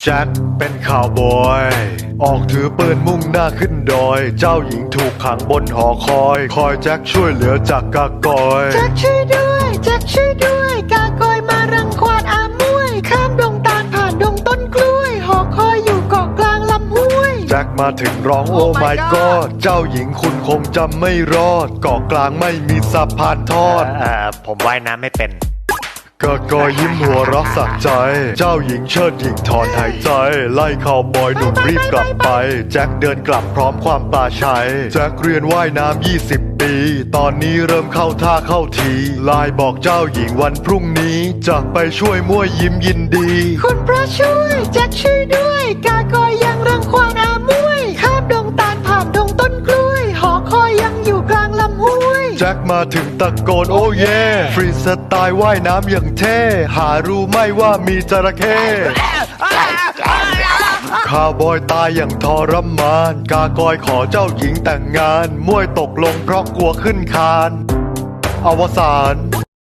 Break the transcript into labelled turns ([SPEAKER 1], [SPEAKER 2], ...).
[SPEAKER 1] แจ็คเป็นข่าวบอยออกถือปืนมุ่งหน้าขึ้นดอยเจ้าหญิงถูกขังบนหอคอยแจ็คช่วยเหลือจากกากอย
[SPEAKER 2] แจ็คช่วยด้วยแจ็คช่วยด้วยกากอยมารังควานอามวยข้ามดงตาลผ่านดงต้นกล้วยหอคอยอยู่เกาะกลางลำห้วย
[SPEAKER 1] แจ็คมาถึงร้องโอ้ my god เจ้าหญิงคุณคงจำไม่รอดเกาะกลางไม่มีสะพานทอด
[SPEAKER 3] ผมว่ายน้ำไม่เป็น
[SPEAKER 1] กากอยยิ้มหัวเรักสักใจเจ้าหญิงเชิดหญิงถอนหายใจไล่ข่าวบอยหนุ่มรีบกลับไปแจ็คเดินกลับพร้อมความปลาชัยแจ็คเรียนว่ายน้ำ20 ปีตอนนี้เริ่มเข้าท่าเข้าทีไลน์บอกเจ้าหญิงวันพรุ่งนี้จะไปช่วยมั่วยิ้มยินดี
[SPEAKER 2] คุณพระช่วยแจ็คช่วยด้วยกากอยยังรังควานอามวยข้ามดงตาลผ่านดงต้นกล้วยหอคอยยังอยู่กลางลำห้วย
[SPEAKER 1] แจ็คมาถึงตะโกนโอ้เย่ฟรีสไตล์ว่ายน้ำอย่างเท่หารู้ไหมว่ามีจระเข้ข้าวบอยตายอย่างทรมานกากอยขอเจ้าหญิงแต่งงานมวยตกลงเพราะกลัวขึ้นคานอวสาน